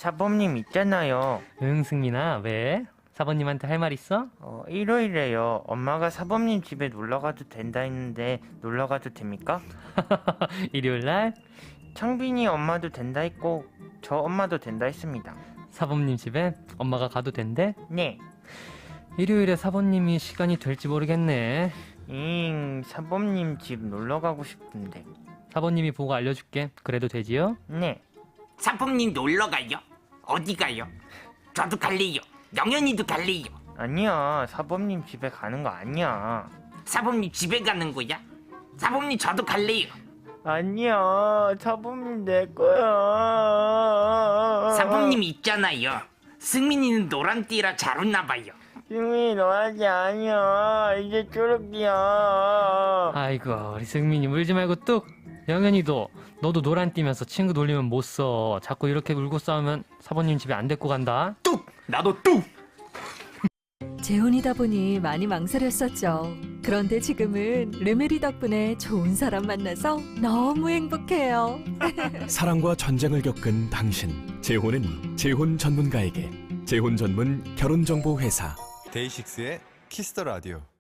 사범님 있잖아요. 응, 승민아, 왜? 사범님한테 할 말 있어? 일요일에요. 엄마가 사범님 집에 놀러가도 된다 했는데 놀러가도 됩니까? 일요일 날 창빈이 엄마도 된다 했고 저 엄마도 된다 했습니다. 사범님 집에 엄마가 가도 된대? 네. 일요일에 사범님이 시간이 될지 모르겠네. 사범님 집 놀러가고 싶은데. 사범님이 보고 알려줄게. 그래도 되지요? 네. 사범님 놀러 가요? 어디 가요? 저도 갈래요. 영현이도 갈래요. 아니야, 사범님 집에 가는 거 아니야. 사범님 집에 가는 거야? 사범님 저도 갈래요. 아니야, 사범님 내 거야. 사범님이 있잖아요. 승민이는 노란띠라 잘 웃나 봐요. 승민이 너한테 아니야. 이제 졸업이야. 아이고, 우리 승민이 울지 말고 뚝! 영현이도 너도 노란 띠면서 친구 놀리면 못 써. 자꾸 이렇게 울고 싸우면 사범님 집에 안 데리고 간다. 뚝! 나도 뚝! 재혼이다 보니 많이 망설였었죠. 그런데 지금은 르메리 덕분에 좋은 사람 만나서 너무 행복해요. 사랑과 전쟁을 겪은 당신. 재혼은 재혼 전문가에게. 재혼 전문 결혼정보 회사. 데이식스의 키스 더 라디오.